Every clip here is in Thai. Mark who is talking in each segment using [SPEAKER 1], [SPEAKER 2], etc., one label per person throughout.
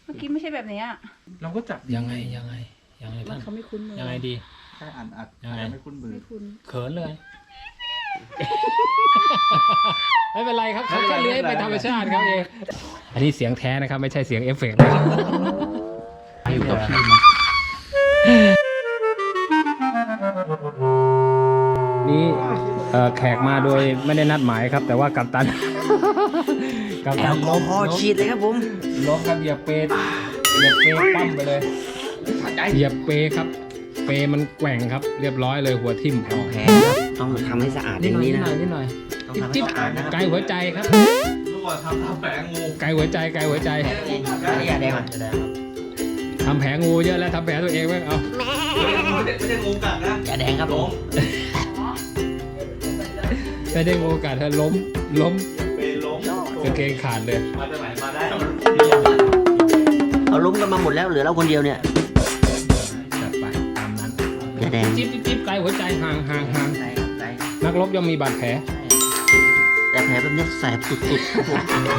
[SPEAKER 1] เมื่อกี้ไม่ใช่แบบนี้อ่ะ
[SPEAKER 2] เราก็จับ
[SPEAKER 3] ยังไงท่าน
[SPEAKER 1] เขาไม่คุ้นมือ
[SPEAKER 3] ยังไงดี
[SPEAKER 2] แค่อัด
[SPEAKER 3] ยังไง
[SPEAKER 2] ไม่คุ้นมือ
[SPEAKER 1] ไม่คุ้น
[SPEAKER 3] เขินเลย ไม่เป็นไรครับเขาแค่เลื้อยไปธรรมชาติครับเองอันนี้เสียงแท้นะครับไม่ใช่เสียงเอฟเฟกต์นะครับ
[SPEAKER 2] อยู่กับพี่มัน
[SPEAKER 3] นี่แขกมาโดยไม่ได้นัดหมายครับ แต่ว่ากัปตัน กัป
[SPEAKER 4] แอ
[SPEAKER 3] ตัน
[SPEAKER 4] ลกอฮอล์ฉีดเลยครับผม
[SPEAKER 3] ล้มครับเหยียบเปปั้มไปเลยเหยียบเปครับ เปมันแกว่งครับ เรียบร้อยเลยหัวทิ่ม
[SPEAKER 4] แผลต้องทำให้สะอาดอย่างนี้นะ
[SPEAKER 3] นิดหน่อย
[SPEAKER 4] ต้องทำให้
[SPEAKER 3] จิ๊บ
[SPEAKER 4] สะอาดนะ
[SPEAKER 3] ไกลหัวใจครับ
[SPEAKER 2] ลูกว่าทำแผลงู
[SPEAKER 3] ไกลหัวใจไกลหัวใจ
[SPEAKER 4] นี่ยาแดงอ่ะ
[SPEAKER 3] ทำแผลงูเยอะแล้วทำแผลตัวเองไหมเอา
[SPEAKER 2] ไม่ได้งูกัดนะ
[SPEAKER 4] ยาแดงครับผม
[SPEAKER 3] ไม่ได้งูกัดเธอล้ม
[SPEAKER 2] เป็นล้ม
[SPEAKER 3] กางเกงขาดเลย
[SPEAKER 2] มาจากไหนมาได้
[SPEAKER 4] เอาล้มกันมาหมดแล้วเหลือเราคนเดียวเนี่ย
[SPEAKER 3] จัดไปตามนั้น
[SPEAKER 4] ยาแดง
[SPEAKER 3] จิ๊บไกลหัวใจห่าง
[SPEAKER 4] ใช่ครับใช่
[SPEAKER 3] นักรบย่อมมีบาดแผล
[SPEAKER 4] แต่แผลแบบนี้แสบสุดๆครับผม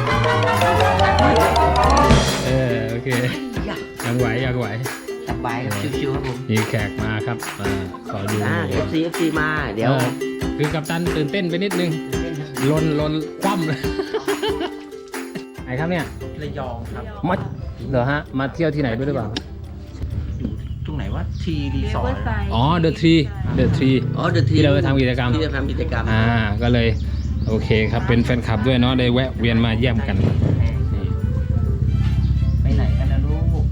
[SPEAKER 3] โอเคยังไหว
[SPEAKER 4] สบายครับชิวๆครับผม
[SPEAKER 3] มีแขกมาครับขอดู
[SPEAKER 4] FC มาเดี๋ยว
[SPEAKER 3] คือกัปตันตื่นเต้นไปนิดนึงลนคว่ำเลยไหนครับเนี่ย
[SPEAKER 2] ระยองครับ
[SPEAKER 3] มาเหรอฮะมาเที่ยวที่ไหนด้วยหรือเปล่า
[SPEAKER 2] อยู่ตรงไหนวะทีรี
[SPEAKER 1] เรีย
[SPEAKER 2] ส
[SPEAKER 1] ก
[SPEAKER 2] อร์
[SPEAKER 1] ว่า
[SPEAKER 2] ท
[SPEAKER 1] ไซ
[SPEAKER 3] อ๋อเดอะทรี
[SPEAKER 4] อ๋อเดอะที
[SPEAKER 3] ที่เราไปทำกิจกรรม
[SPEAKER 4] ที่จะทำกิจกรรม
[SPEAKER 3] ก็เลยโอเคครับเป็นแฟนคลับด้วยเนาะได้แวะเวียนมาเยี่ยมกันนี่
[SPEAKER 2] ไปไหนกันนะลูก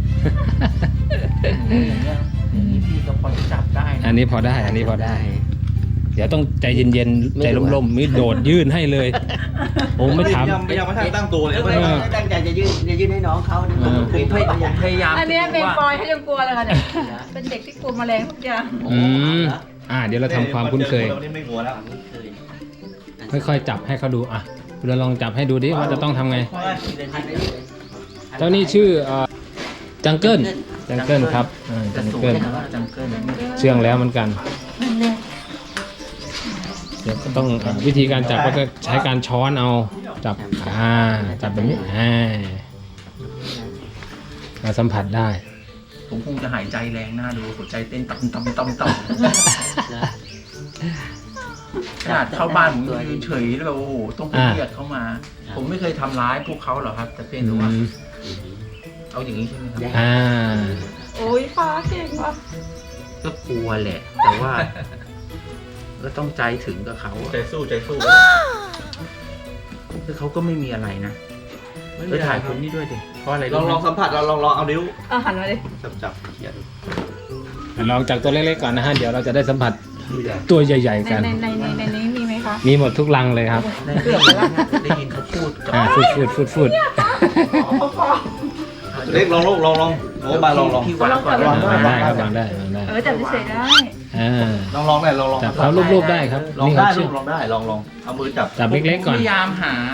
[SPEAKER 2] อย่างนี้พี่ก็พอจะจับได้
[SPEAKER 3] อันนี้พอได้ เดี๋ยวต้องใจเย็นๆใจร่มๆมิดโดดยื่นให้เลยโอ้ไม่ถาม
[SPEAKER 2] ไม่ยังไม่ทันตั้งตัวเลย
[SPEAKER 4] ไม่ตั้งใจจะยื่นให้น้องเขาเนี่ยผม
[SPEAKER 2] พยายาม
[SPEAKER 1] อันเนี้ยเป็นปอยเขายังกลัวเลยค่ะเนี่ยเป็นเด็กที่กลัวแมลงทุกอย่าง
[SPEAKER 3] เดี๋ยวเราทำความคุ้นเคย
[SPEAKER 2] นี่ไม่หัวแล้ว
[SPEAKER 3] ค่อยๆจับให้เขาดูเราลองจับให้ดูดิว่าจะต้องทำไงเจ้านี่ชื่อจังเกิลครับจังเกิล
[SPEAKER 2] จังเกิล
[SPEAKER 3] เชื่องแล้วเหมือนกันเดี๋ยวก็ต้องวิธีการจับก็จะใช้การช้อนเอาจับจับแบบนี้มาสัมผัสได้
[SPEAKER 2] ผมคงจะหายใจแรงหน้าดูหัวใจเต้นต่ำขนาดเข้าบ้านผมยืนเฉยแล้วแบบโอ้โหต้องไปเรียกเขามา ผมไม่เคยทำร้ายพวกเขาหรอกครับ แต่เพียงแต่ว่าเอาอย่างนี้ใช่ไหมครับ
[SPEAKER 1] โอ้ยฟ้าเก่งว่ะ
[SPEAKER 2] ก็กลัวแหละ แต่ว่า ก็ต้องใจถึงกับเขาใจสู้คือเขาก็ไม่มีอะไรนะไปถ่ายคนนี้ด้วยดิเพราะอะไร
[SPEAKER 5] ลองสัมผัสลองเอานิ้ว
[SPEAKER 1] หันมาดิ
[SPEAKER 5] จับเขียน
[SPEAKER 3] ลองจากตัวเล็กๆก่อนนะฮะเดี๋ยวเราจะได้สัมผัสตัวใหญ่ๆกัน
[SPEAKER 1] ในนี้มีไหมคะ
[SPEAKER 3] มีหมดทุกรังเลยครับ
[SPEAKER 2] ได้ยินเขาพูดกับ
[SPEAKER 3] ฟูด
[SPEAKER 5] เล็กลองโอ้บาลอง
[SPEAKER 2] พี่วางก่อน
[SPEAKER 3] ได้ครับวางได้
[SPEAKER 1] จับเฉยๆได้
[SPEAKER 5] ลองได้ลอง
[SPEAKER 3] จับเขารูปๆได้ครับ
[SPEAKER 5] ลอง
[SPEAKER 3] นี่
[SPEAKER 5] ได้
[SPEAKER 3] เขาชื่อ
[SPEAKER 5] ลองได้ลองเอามือจับ
[SPEAKER 3] จับเล็กๆก่อน
[SPEAKER 2] พยายามหา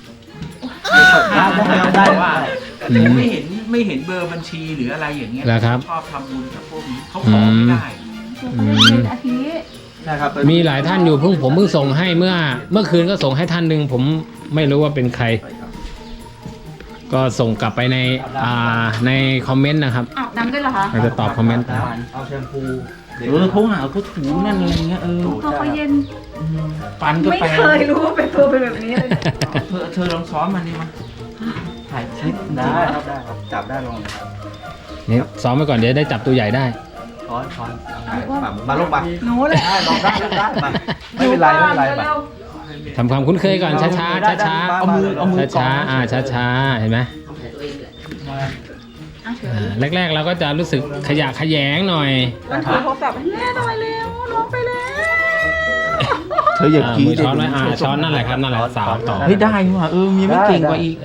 [SPEAKER 5] ได้
[SPEAKER 2] ว่า
[SPEAKER 3] อืม
[SPEAKER 2] ไม่เห็นเบอร์บัญชีหรืออะไรอย่างเงี้ย
[SPEAKER 3] แล้วครับ
[SPEAKER 2] ชอบทำบุญกับพวกนี้เขาขอไม่ได้
[SPEAKER 1] เขาเรียนอาทิตย์
[SPEAKER 5] ใช่ครับ
[SPEAKER 3] มีหลายท่านอยู่ผมเพิ่งส่งให้เมื่อคืนก็ส่งให้ท่านหนึ่งผมไม่รู้ว่าเป็นใคร ก็ส่งกลับไปในคอมเมนต์นะครับ
[SPEAKER 1] อาบน้ำด้วยเหรอคะ
[SPEAKER 3] เราจะตอบคอมเมนต์
[SPEAKER 5] เอาแชมพู
[SPEAKER 2] เขาหาเขาถูนั่นอะไรเงี้ย
[SPEAKER 1] ตัวเขาเย็น
[SPEAKER 2] ฟันก็
[SPEAKER 1] ไม่
[SPEAKER 2] แปลง
[SPEAKER 1] เคยรู้ว่าเป็นตัวเป็นแบบนี้เลย
[SPEAKER 2] เธอลองซ้อมมันดิมาถ่ายคลิป
[SPEAKER 5] ได้ครับจับได้ลอง
[SPEAKER 3] นี่ซ้อมไว้ก่อนเดี๋ยวได้จับตัวใหญ่ได้
[SPEAKER 5] ช้อนมาลงมา
[SPEAKER 1] หนูเลย
[SPEAKER 5] ได้ลองได้มาไม่เป็นไรมา
[SPEAKER 3] ทำความคุ้นเคยก่อนช้าๆ
[SPEAKER 5] เอามือ
[SPEAKER 3] ช้าๆช้าๆเห็นไหมแรกๆเราก็จะรู้สึกขยะแขยงหน่อย
[SPEAKER 1] มันถือโทรศัพท์แม่หน่อยเร็วน้องไปแล้ว
[SPEAKER 5] เธออย่ากี้
[SPEAKER 3] มือช้อนไว้ช้อนนั่นแหละครับนั่นแหละสาวต่อ
[SPEAKER 2] เฮ้ยได้ว่ะมีไม่เก่งกว่าอีก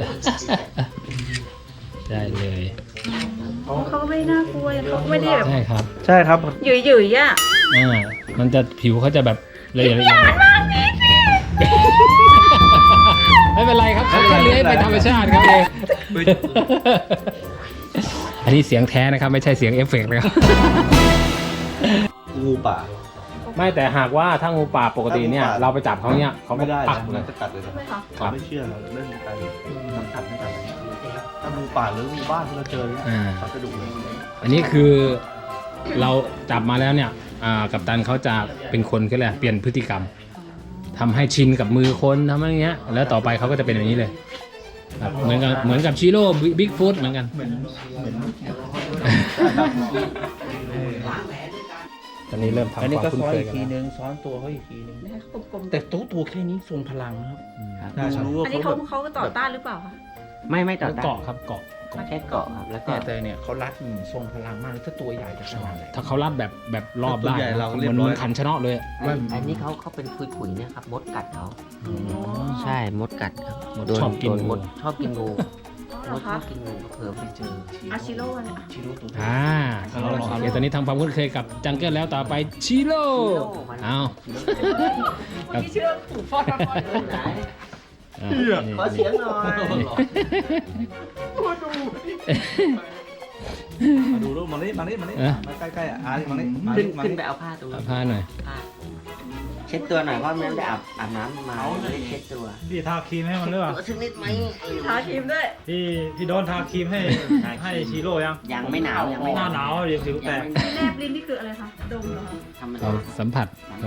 [SPEAKER 3] ได้เลย
[SPEAKER 1] เขาก็ไม่น่ากลัวเขาก็ไม่ได้แบบ
[SPEAKER 3] ใช่ครับ
[SPEAKER 5] ใช่ครับ
[SPEAKER 1] หยุ่ยๆอ่ะ
[SPEAKER 3] มันจะผิวเขาจะแบบละเอียดไม่เป็นไรครับเขาแค่เลื้อยไปธรรมชาติครับเองอันนี้เสียงแท้นะครับไม่ใช่เสียงเอฟเฟกต์นะครับ
[SPEAKER 5] งูป่า
[SPEAKER 3] ไม่แต่หากว่าถ้างูป่าปกติเนี่ยเราไปจับเขาเนี่ยเขา
[SPEAKER 5] ไม่ได้
[SPEAKER 3] ปัก
[SPEAKER 5] นะ
[SPEAKER 3] เลย
[SPEAKER 5] จะกัดเลย
[SPEAKER 1] ใช่ไหมคะ
[SPEAKER 5] เขาไม่เชื่อเราเรื่องการสัมผัสไม่กันถ้างูป่าหรืองูบ้านที่เราเจอเนี่ย
[SPEAKER 3] อ่า
[SPEAKER 5] เขาจะดุเลย
[SPEAKER 3] อันนี้คือเราจับมาแล้วเนี่ยกัปตันเขาจะเป็นคนก็เลยกเปลี่ยนพฤติกรรมทำให้ชินกับมือคนทำอะไรเงี้ยแล้วต่อไปเขาก็จะเป็นแบบนี้เลยครับเหมือนกับชิโร่บิ๊กฟุตเหมือนกันตอนนี้เริ่มทำ
[SPEAKER 2] อันนี้
[SPEAKER 3] ความ
[SPEAKER 2] ก็
[SPEAKER 3] คุ้น
[SPEAKER 2] ซ้อน
[SPEAKER 3] เคย
[SPEAKER 2] อีก
[SPEAKER 3] กัน
[SPEAKER 2] ที
[SPEAKER 3] แล้ว
[SPEAKER 2] นึงซ้อนตัวเขาอีกทีนึง
[SPEAKER 1] ให้เขากลมๆ
[SPEAKER 2] แต่ตัวแค่นี้ทรงพลังนะครับ
[SPEAKER 4] ครับ
[SPEAKER 2] ดูรู้ว่า
[SPEAKER 1] อันนี้
[SPEAKER 2] เขา
[SPEAKER 1] เขา
[SPEAKER 2] แบบ
[SPEAKER 1] ต่อต้านหรือเปล่าคะ
[SPEAKER 4] ไม่ต่อ
[SPEAKER 3] เกาะครับเกาะ
[SPEAKER 4] แค่เกาะครับแล้วก็
[SPEAKER 2] แต่เนี่ยเขารัดทรงพลังมากถ้าตัวใหญ่จะขนาดไหน
[SPEAKER 3] ถ้าเขารัดแบบรอบได้
[SPEAKER 5] ตัวใหญ่เราก็เรียบ
[SPEAKER 3] เห
[SPEAKER 5] ร้
[SPEAKER 3] มื
[SPEAKER 5] อ
[SPEAKER 3] อย นขันชนะเลย
[SPEAKER 4] อันนี้เขาเป็นคุยๆเนี่ยครับมดกัดเขาใช่มดกัดครับโด
[SPEAKER 3] ชอบกิน
[SPEAKER 4] โด
[SPEAKER 3] งู
[SPEAKER 4] มดชอบกินงู
[SPEAKER 1] เหร
[SPEAKER 4] ม
[SPEAKER 1] อ
[SPEAKER 4] ดช
[SPEAKER 1] คะ
[SPEAKER 4] อบกินงูเผลอไปเจอ
[SPEAKER 1] อาชิโร่เนี่ย
[SPEAKER 2] ชิโร่ตัว
[SPEAKER 3] โอเคตอนนี้ทำความคุ้นเคยกับจังเกิลแล้วต่อไปชิโร่เอา
[SPEAKER 1] คนที่เชื่อผูกฟอด
[SPEAKER 4] ขอเสียงหน่อย
[SPEAKER 5] มาดูรูปมานี่มาใกล้ๆอ่ะมานี่มา
[SPEAKER 4] ขึ้นไปเอาผ้าตรง
[SPEAKER 3] เอา
[SPEAKER 4] นี้
[SPEAKER 3] ผ้าหน่อย
[SPEAKER 4] ผ้าเช็ดตัวหน่อยเพราะไม่ได้อาบน้ำมาไม่ได้เช็ดตัว
[SPEAKER 6] พี่ทาครีมให้มันหรือเปล่า
[SPEAKER 4] ตัวสักนิดไหม
[SPEAKER 1] ทาครีมด้วย
[SPEAKER 6] พี่โดนทาครีมให้ชีโร่ยัง
[SPEAKER 4] ยังไม่หนาวยังไม่
[SPEAKER 6] หน้าหนาวเดี๋ยวผิวแตก
[SPEAKER 1] แนบลิ้นนี่คืออะไรคะดมเหรอ
[SPEAKER 4] ธรรม
[SPEAKER 3] เรา
[SPEAKER 4] ดา
[SPEAKER 3] สัมผัสเขา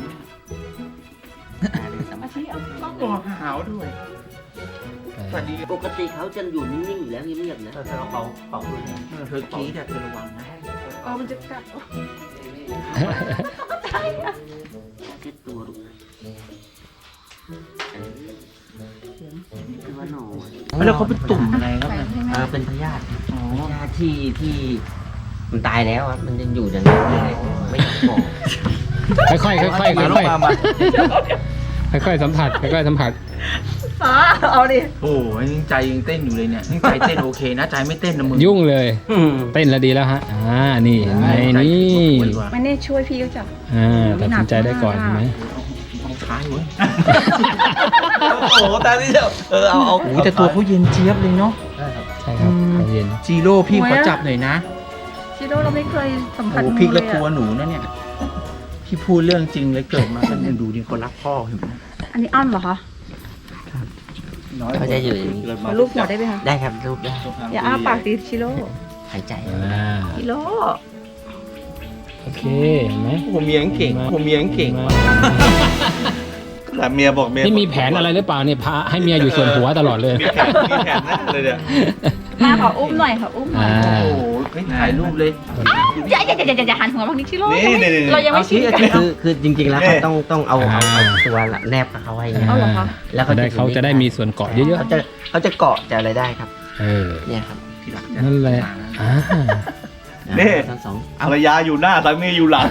[SPEAKER 1] อาชิต้อง
[SPEAKER 2] ตัวขาวด้วยสวัสดี
[SPEAKER 4] ปกติเขาจะอยู่นิ่งๆอยู่แล้วเงียบๆนะ
[SPEAKER 2] เธอเป่าเลยเธอกี้แต่เธอระวังนะ
[SPEAKER 1] มันจะกัด
[SPEAKER 4] เช็ดตัวลูกตัวหน่อย
[SPEAKER 2] แล้วเขาเป็นตุ่มอะไรครับ
[SPEAKER 4] เป็นพยาธิพยาธิที่มันตายแล้วอะมันยังอยู่อย่างนี้ไม่อยากบอก
[SPEAKER 3] ค่อยๆค่อยๆค่อยๆค่อยๆสัมผัสค่อยๆสัมผัส
[SPEAKER 1] ฟ้าเอาดิ
[SPEAKER 2] โอ้ยยังใจยังเต้นอยู่เลยเนี่ยยังใจเต้นโอเคนะใจไม่เต้นนะมึง
[SPEAKER 3] ยุ่งเลยเต้นแล้วดีแล้วฮะนี่เห็นไหมนี่
[SPEAKER 1] ไม่ได้ช่วยพี่ก็จับ
[SPEAKER 3] ตัดสินใจได้ก่อนเห็นไหม
[SPEAKER 2] เอาท้ายเว้ย
[SPEAKER 5] โอ้โหตาที่เดียวเอา
[SPEAKER 2] โอ้แต่ตัวเขาเย็นเจี๊ยบเลยเนาะ
[SPEAKER 3] ใช่ครับเขาเย็น
[SPEAKER 2] จีโร่พี่ขอจับหน่อยนะ
[SPEAKER 1] ชิโร่เราไม่เคยสัมผัส
[SPEAKER 2] โอ้พี่ก็กลัวหนูนะเนี่ยพี่พูดเรื่องจริงเลยเกิดมาก็ยังดูดิคนรักพ่อเห็นไหม
[SPEAKER 1] อันนี้อ้อนเหรอคะ
[SPEAKER 4] เขาจะอยู่อย่างนี้
[SPEAKER 1] ขอรูปหัวได้ไหมคะ
[SPEAKER 4] ได้ครับรูปได้
[SPEAKER 1] อย่าอ้าปากดิชิโร่
[SPEAKER 4] หายใจ
[SPEAKER 1] ชิโร่
[SPEAKER 3] โอเคเห็นไหม
[SPEAKER 5] ผมเมียงเก่งผมเมียงเก่งแต่เมียบอกเมีย
[SPEAKER 3] นี่มีแผนอะไรหรือเปล่าเนี่ยพาให้เมียอยู่ส่วนหัวตลอดเลย
[SPEAKER 5] มีแผนนะเลยเนี่ย
[SPEAKER 1] มาขออุ้มหน่อยค่ะอุ้มหน่อย
[SPEAKER 2] โอ้โหไม่ถ่ายรูปเลย
[SPEAKER 1] อย่าหันหัวบางทีชิโร่
[SPEAKER 5] นี่
[SPEAKER 1] เรายังไม่ชินกัน
[SPEAKER 4] คือจริงๆแล้วเขาต้องเอาตัวแนบกับเขาไว้เนี่ย
[SPEAKER 1] เอาเหรอคะ
[SPEAKER 4] แล้ว
[SPEAKER 3] เขาจะได้มีส่วนเกาะเยอะ
[SPEAKER 4] เขาจะเกาะจะอะไรได้ครับ
[SPEAKER 3] ๆ
[SPEAKER 4] เนี่ยครับ
[SPEAKER 2] ที่รัก
[SPEAKER 3] นั่นแหละ
[SPEAKER 5] นี่
[SPEAKER 4] ทั้งสอง
[SPEAKER 5] ภรรยาอยู่หน้าสามีอยู่หลัง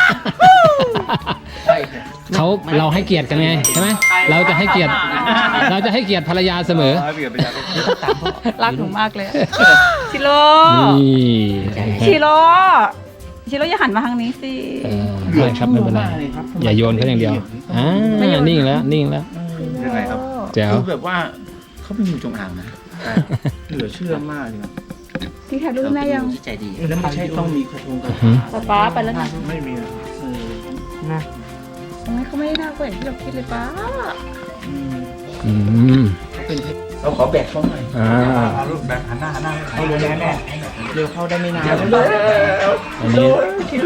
[SPEAKER 2] ใช่
[SPEAKER 3] เราให้เกียรติกันไงใช่ไหมเราจะให้เกียรติภรรยาเสมอ
[SPEAKER 5] เปลี่ยนไปจาก
[SPEAKER 1] รักหนูมากเลยชิโร่
[SPEAKER 3] นี่
[SPEAKER 1] ชิโร่อย่าหันมาทางนี้สิ
[SPEAKER 3] ไม่ครับไม่เป็นไรอย่าโยนเขาอย่างเดียวนิ่งแล้วนิ่งแล้ว
[SPEAKER 5] ยังไงครับ
[SPEAKER 3] แจ๋ว
[SPEAKER 2] คือแบบว่าเขาเป็นงูจงอางนะเหลือเชื่อมากเลยครับ
[SPEAKER 1] พี่ถ่ายรูปแม่ยัง
[SPEAKER 4] ที่ใจดี
[SPEAKER 2] แล้วไม่ใช่ต้องมีกระทงกระทง
[SPEAKER 1] ป๊าไปแล้วนะ
[SPEAKER 5] ไม่มี
[SPEAKER 4] นะ
[SPEAKER 1] เขาไม่ได้น่ากลัวอย่างที่เราคิดเลยป๊า
[SPEAKER 2] เขาเป็นเราขอแบกเขาหน่อย
[SPEAKER 5] เอารูปแบบหันหน้าให้ลงแน่
[SPEAKER 2] เร็วเข้าได้ไม่นาน
[SPEAKER 3] อันนี้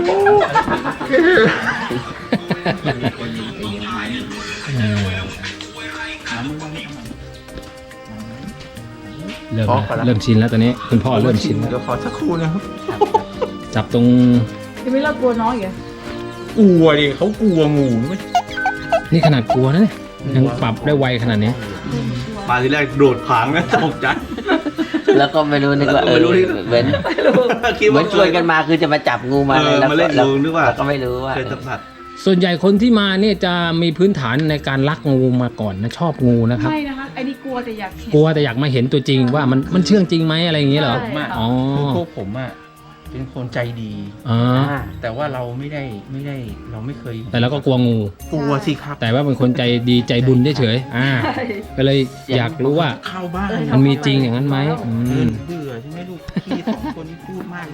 [SPEAKER 3] เริ่มชินแล้วตอนนี้คุณพ่อเริ่มชินแล้ว
[SPEAKER 2] เดี๋ยวขอสักครู่นะครับ
[SPEAKER 3] จับตรง
[SPEAKER 1] ยังไม่เรากลัวน้องอีก
[SPEAKER 2] กลัวดิเขากลัวงูไม่
[SPEAKER 3] นี่ขนาดกลัวนะเนี่ยยังปรับได้ไวขนาดนี้
[SPEAKER 5] มาทีแรกโดดผางนะตกใจ
[SPEAKER 4] แล้วก็ไม่รู้นึกว่าเหมือนชวนกันมาคือจะมาจับงูมาเลย
[SPEAKER 5] มาเล่นงูนึกว่า
[SPEAKER 4] แล้วก็ไม่รู้ว่า
[SPEAKER 5] เคยสัมผัส
[SPEAKER 3] ส่วนใหญ่คนที่มาเนี่ยจะมีพื้นฐานในการรักงูมาก่อนนะชอบงูนะครับ
[SPEAKER 1] ไม่นะคะไอ้นี่กลัวแต่อยากเห็น
[SPEAKER 3] กลัวแต่อยากมาเห็นตัวจริงว่ามันเชื่องจริงไหมอะไรอย่างเงี้ยเหรอ
[SPEAKER 1] ใช่
[SPEAKER 3] อ๋อ
[SPEAKER 2] พวกผมอ่ะเป็นคนใจดี
[SPEAKER 3] อ๋อ
[SPEAKER 2] แต่ว่าเราไม่ได้เราไม่เคย
[SPEAKER 3] แต่เราก็กลัวงู
[SPEAKER 2] กลัวสิครับ
[SPEAKER 3] แต่ว่าเป็นคนใจดีใจบุญเฉยๆก็เลยอยากรู้ว่า
[SPEAKER 2] เข้าบ้าน
[SPEAKER 3] มันมีจริงอย่างนั้นไหม
[SPEAKER 2] เบื่อใช่ไหมลูกพี่สองคนนี้พูดมาก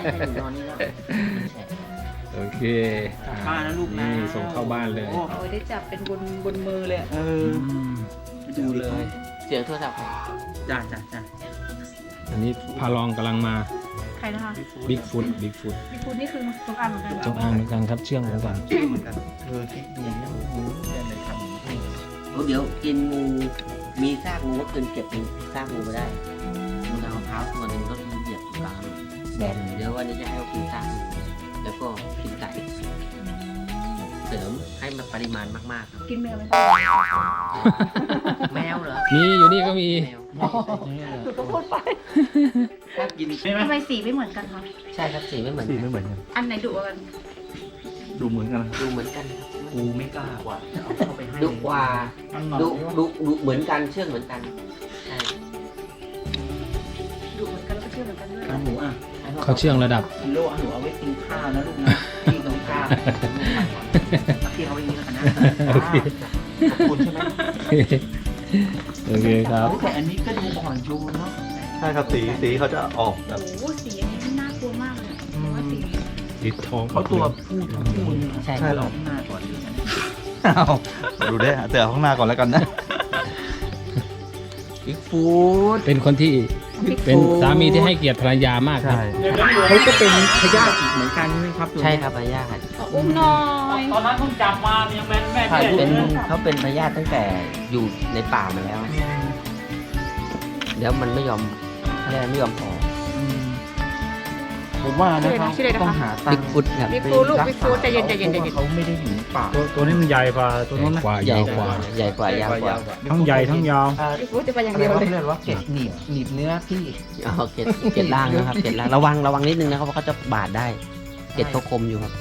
[SPEAKER 3] โอเค
[SPEAKER 2] บ้านนะลูกนะ
[SPEAKER 3] นี่ส่งเข้าบ้านเลย
[SPEAKER 1] โอ้ยได้จับเป็นบนมือเลย
[SPEAKER 2] ดูเลย
[SPEAKER 4] เสียงโทรศัพท์
[SPEAKER 2] จ้า
[SPEAKER 3] อันนี้พาลองกำลังมา
[SPEAKER 1] ใครนะคะ
[SPEAKER 3] บิ๊กฟุตบิ๊กฟุต
[SPEAKER 1] พี่ฟูนี่คือสงอันเหมือนกัน
[SPEAKER 3] จงอางเหมือนกันครับเชื่องเหมือนกัน
[SPEAKER 5] เหมือนกัน
[SPEAKER 2] คิดดีนะเนี่ยเลยทำ
[SPEAKER 4] เดี๋ยวกินงูมีซากงูก็คืนเก็บซากงูไปได้มันเอาเท้าตัวหนึงก็เหยียบอยู่กลางแบนเดี๋ยววันนี้จะให้เขากินซากงูแล้วก็กินไก่เสริมให้มันปริมาณมากๆครับ
[SPEAKER 1] กินแมวไหม
[SPEAKER 4] แมวเหรอ
[SPEAKER 3] มีอยู่นี่ก็มี
[SPEAKER 4] แมว
[SPEAKER 1] ถูกก็พูดไป
[SPEAKER 4] ถ้ากิน
[SPEAKER 1] ทำไมสีไม่เหมือนกันคะ
[SPEAKER 4] ใช่ครับสีไม่เหมือน
[SPEAKER 5] สี
[SPEAKER 4] กัน
[SPEAKER 5] ไม่เหมือนกัน
[SPEAKER 1] อันไหนดุกว่ากัน
[SPEAKER 5] ดูเหมือนกันนะ
[SPEAKER 4] ดูเหมือนกันครับ
[SPEAKER 2] กูไม่กล้าว่ะจะเอาเข้าไปให้
[SPEAKER 4] ดุกว่าดุเหมือนกันเชื่องเหมือนกันใช่
[SPEAKER 1] ดุเหมือนกันแล้วก็เชื่อเหมือนกันด้วย
[SPEAKER 2] หนูอ่ะ
[SPEAKER 3] เขาเชื่องระดับ
[SPEAKER 2] กิโลหนูเอาไว้กินข้าวนะลูกนะพี่ต้องข้าวพี่เอาไว้นี้แล้วกันนะ
[SPEAKER 3] โอเค
[SPEAKER 2] ขอบคุณใช่ไหม
[SPEAKER 3] โอเคครับ
[SPEAKER 2] แต่อันนี้ก็ดูอ่อนโยนเนาะ
[SPEAKER 5] ใช่ครับสีเขาจะออกแบบ
[SPEAKER 1] โอ้โหสีอันนี้น่ากลัวมากเลยเพราะว่าสี
[SPEAKER 3] ติดทอง
[SPEAKER 2] เขาตัวผู้ทั้งคู่นี่
[SPEAKER 4] ใช่
[SPEAKER 2] ใช่หรอข้างหน้าก่อนเลยนะ
[SPEAKER 5] อ้าวดูได้แต่เอาข้างหน้าก่อนแล้วกันนะ
[SPEAKER 2] บิ๊กฟูด
[SPEAKER 3] เป็นคนที่เป็นสามีที่ให้เกียรติภรรยามากครับ
[SPEAKER 2] เขาก็เป็นพยาธิอีกเหมือนกันใช่ไหมครับ
[SPEAKER 4] ใช่ครับพยาธิ
[SPEAKER 1] อุ้มหน่อย
[SPEAKER 6] ตอนนั้นเพิ่งจับมายังแม่แม่
[SPEAKER 2] ถ่ายรูป
[SPEAKER 4] เป็นเขาเป็นพยาธิตั้งแต่อยู่ในป่ามาแล้วแล้วมันไม่ยอมอะไรไม่ยอมพอ
[SPEAKER 2] ผมว่านะครับต้องหาตั
[SPEAKER 4] บิ๊
[SPEAKER 2] ง
[SPEAKER 4] ก
[SPEAKER 2] ค์
[SPEAKER 4] ฟุตครับ
[SPEAKER 1] บิ๊กฟูลูกบิ๊กฟูใจเย็นใจเย็นใจเย็น
[SPEAKER 2] เขาไม่ได้อยู่ในป่า
[SPEAKER 6] ตัวนี้มันใหญ่กว่าตัวนู้นนะ
[SPEAKER 3] กว่า
[SPEAKER 4] ใหญ่
[SPEAKER 3] ยาว
[SPEAKER 4] ก
[SPEAKER 3] ก
[SPEAKER 4] ว่า
[SPEAKER 3] ว่า
[SPEAKER 4] ใหญ่กว่ายาวกว่า
[SPEAKER 6] ทั้งใหญ่ทั้งยาว
[SPEAKER 1] บิ๊กฟูจะไปอย่าง
[SPEAKER 2] อะไร
[SPEAKER 1] เดียว
[SPEAKER 2] วะ
[SPEAKER 1] เลย
[SPEAKER 2] เรียกว่าเกล็ดหนีบเนื้อพี่
[SPEAKER 4] อ๋อเกล็ดล่างนะครับเกล็ดล่างระวังนิดนึงนะครับเพราะเขาจะบาดได้เกล็ดเขาคมอยู่ครับ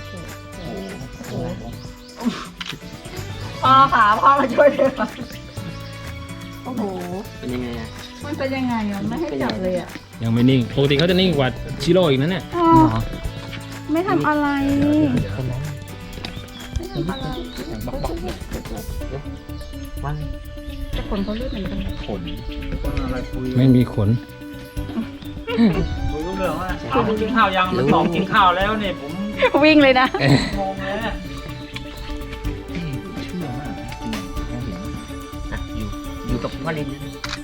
[SPEAKER 1] พ่อขาพ่อมาช่วยเลยค่ะโอ้โห
[SPEAKER 4] เป็นยังไงอะ
[SPEAKER 1] มันเป็นยังไงอ่ะไม่ให้จับเลยอ่ะ
[SPEAKER 3] ยังไม่นิ่ง ปกติเขาจะนิ่งกว่าชิโร่อีกนะเนี่ย
[SPEAKER 1] อ๋อไม่ทำอะไรไม่ทำอะไร
[SPEAKER 4] ว่าง
[SPEAKER 1] แต่คนเขาเลือกเหมือนกัน
[SPEAKER 2] ขน
[SPEAKER 6] คนอะไรคุย
[SPEAKER 3] ไม่มีขน
[SPEAKER 6] คุยรู้เรื่องว่าเอากินข้าวยังมันบอกกินข้าวแล้วเนี่ยผม
[SPEAKER 1] วิ่งเลยนะ
[SPEAKER 6] งงเลยเนี่ย
[SPEAKER 2] เชื่อมากจริงเขาเห็น
[SPEAKER 4] อ่ะอยู่กับพ่อลิน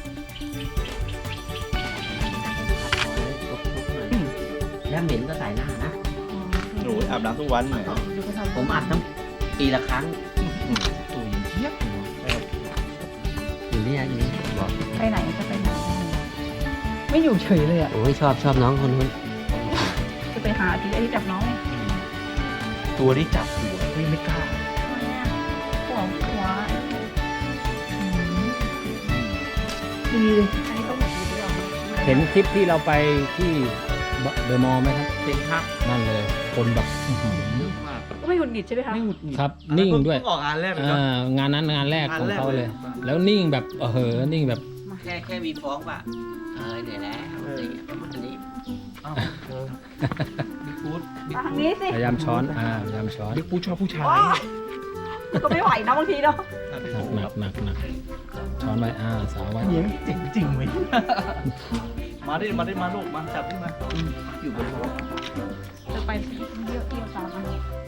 [SPEAKER 4] แล้วเหม็นก็ใส่หน้านะ
[SPEAKER 5] หนูอาบน้ำทุกวันไหม
[SPEAKER 4] ผมอาบทั้งปีละครั้ง
[SPEAKER 2] ตัวอย่างเทียบเลย
[SPEAKER 4] อยู่นี่อยู่นี่บอก
[SPEAKER 1] ไปไหนจะไปไหนไม่อยู่เฉยเลยอ่ะ
[SPEAKER 4] โอ้ยชอบน้องคนนู้น
[SPEAKER 1] จะไปหาทีไอ้ที่จับน้องไง
[SPEAKER 2] ตัวที่จับหัวไม่กล้า
[SPEAKER 1] หัวดีเลยอันนี้ต้องหมดดีด้วย
[SPEAKER 3] เห็นคลิปที่เราไปที่เดอะมอลล์ไหมครับ
[SPEAKER 2] เป็นครับ
[SPEAKER 3] นั่นเลย คนแบบอื้อหือ
[SPEAKER 1] ก็ไม่หงุดหงิดใช่ไหมคะ
[SPEAKER 2] ไม่หงุดหงิด
[SPEAKER 3] ครับ นิ่งด้วย
[SPEAKER 5] ออกงานแรกเลย
[SPEAKER 3] งานนั้นงานแรกของเขาเลย แล้วนิ่งแบบนิ่งแบบ
[SPEAKER 4] แค่มีฟ้องว่าเหนื่อยแล้วอะไรอย่างเงี้ยอันนี้
[SPEAKER 2] บิ๊กฟูด
[SPEAKER 1] มาทางนี้สิ
[SPEAKER 3] พยายามช้อนพยายามช้อน
[SPEAKER 2] บิ๊กฟูดชอบผู้ชาย
[SPEAKER 1] ก็ไม่ไหวนะบางทีเนาะ
[SPEAKER 3] หนักช้อนไว้สาวไว้
[SPEAKER 2] เลี้ยงเจ๋งจริงเว้ย
[SPEAKER 5] มาดิมาลูกมาจับขึ้นมา
[SPEAKER 2] อยู่บนรถ
[SPEAKER 1] จะไปเยอะเกี่ยวตามมา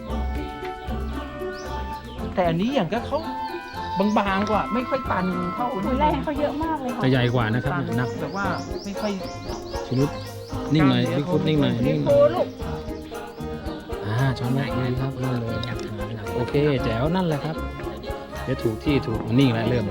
[SPEAKER 2] แต่อันนี้อย่างก็เขาบางๆกว่าไม่ค่อยตันเท่า
[SPEAKER 1] คุยแรกเขาเยอะมากเลยค่ะ
[SPEAKER 3] จะใหญ่กว่านะครับ
[SPEAKER 2] ตัน
[SPEAKER 3] หนัก
[SPEAKER 2] แบบว่าไม่ค่อย
[SPEAKER 3] ชิลุดนิ่งหน่อยบิ๊กฟุตนิ่งหน่อยนิ่งหน่
[SPEAKER 1] ฟู
[SPEAKER 3] อย
[SPEAKER 1] ลูก
[SPEAKER 3] ช้อนไว้ดีครับนั่นเลยโอเคแจ๋วนั่นแหละครับเดี๋ยวถูกที่ถูกนิ่งแล้วเริ่มเลย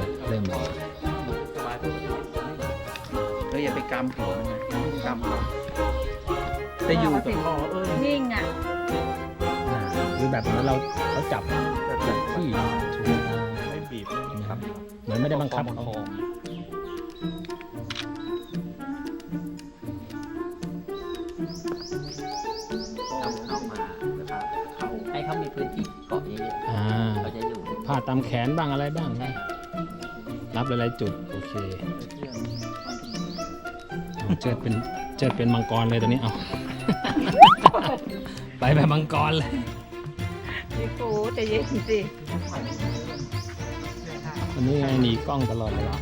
[SPEAKER 2] ก็อย่าไปกำหัวมันนะกำเขาแต่อยู่กับพ่อ
[SPEAKER 1] นิ่งอ่ะ
[SPEAKER 3] คือแบบเหมือนเขาจับแบบที่ชู
[SPEAKER 5] ไม่บีบไม่ครับ
[SPEAKER 3] เหมือนไม่ได้บังคับเขา
[SPEAKER 4] เข้ามานะครับให้เขามีพื้นที่เกาะเยอะๆเขาจะอยู่
[SPEAKER 3] ผ้าตามแขนบ้างอะไรบ้างนะรับหลายๆจุดโอเคเจิดเป็นมังกรเลยตอนนี้เอา ไปแบบมังกรเลย
[SPEAKER 1] พี่ฟูใจเย็นสิ
[SPEAKER 3] วันนี้ไงหนีกล้องตลอดเลยเหรอ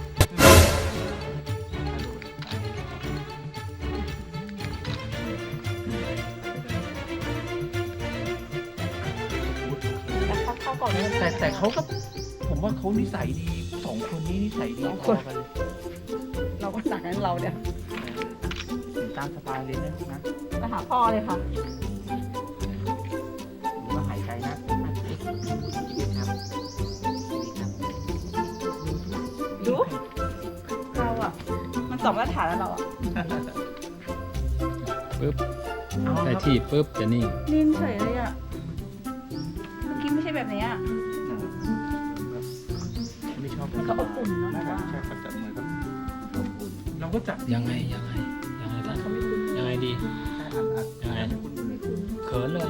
[SPEAKER 1] เข้าก่อนเลย
[SPEAKER 2] แต่เขาก็ผมว่าเขานิสัยดีสองคนนี้นิสัยดีพอกันเลย
[SPEAKER 1] เราก็สั่งนั้นเราเนี่ย
[SPEAKER 2] ามสบายเลยนะ
[SPEAKER 1] ไปหาพ่อเลยค่ะ
[SPEAKER 2] หรือว่าหายใจนะ
[SPEAKER 4] ชีวิตครับชีวิตครับ
[SPEAKER 1] ดูเราอ่ะ มันสองมาตรฐานแล้วเราอ่ะ
[SPEAKER 3] ปึ๊บได้ที่ปึ๊บจะนิ่ง
[SPEAKER 1] นิ่งเฉยเลยอ่ะ เมื่อกี้ไม่ใช่แบบนี้อ่ะ
[SPEAKER 2] ไม่ชอบ
[SPEAKER 1] มันก็อบอุ่นเนาะ
[SPEAKER 2] น่า
[SPEAKER 1] แต่
[SPEAKER 2] จะ
[SPEAKER 1] ว่า
[SPEAKER 2] ใช่ครับจับมือครับเราก็จับ
[SPEAKER 3] ยังไงท่านยังไงดี ยังไง เขินเลย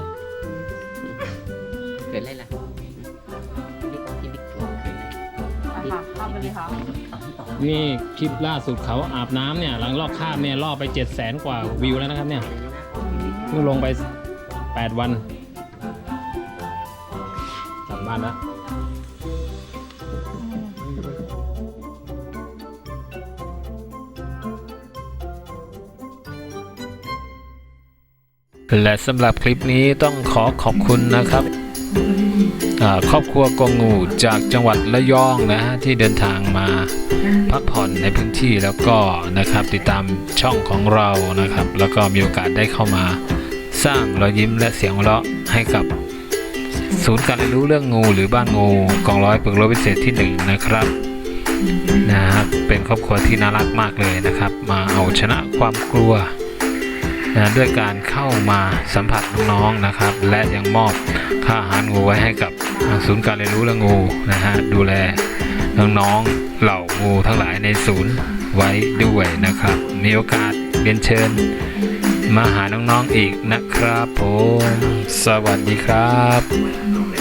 [SPEAKER 4] เกิดอะไรล่ะที่บิ๊กตัวเกิดอะไร
[SPEAKER 1] ไปค่ะเข้าไปเลยค่ะ
[SPEAKER 3] นี่คลิปล่าสุดเขาอาบน้ำเนี่ยหลังลอกคราบเนี่ยล่อไป 700,000 กว่าวิวแล้วนะครับเนี่ยเพิ่งลงไป 8 วันกลับบ้านแล้ว และสำหรับคลิปนี้ต้องขอขอบคุณนะครับครอบครัวกงงูจากจังหวัดระยองนะฮะที่เดินทางมาพักผ่อนในพื้นที่แล้วก็นะครับติดตามช่องของเรานะครับแล้วก็มีโอกาสได้เข้ามาสร้างรอยยิ้มและเสียงหัวเราะให้กับศูนย์การเรียนรู้เรื่องงูหรือบ้านงูกองร้อยฝึกรบพิเศษที่1นะครับนะครับเป็นครอบครัวที่น่ารักมากเลยนะครับมาเอาชนะความกลัวด้วยการเข้ามาสัมผัสน้องๆนะครับและยังมอบค่าอาหารงูไว้ให้กับศูนย์การเรียนรู้เรื่องงูนะฮะดูแลน้องๆเหล่างูทั้งหลายในศูนย์ไว้ด้วยนะครับมีโอกาสเรียนเชิญมาหาน้องๆอีกนะครับผมสวัสดีครับ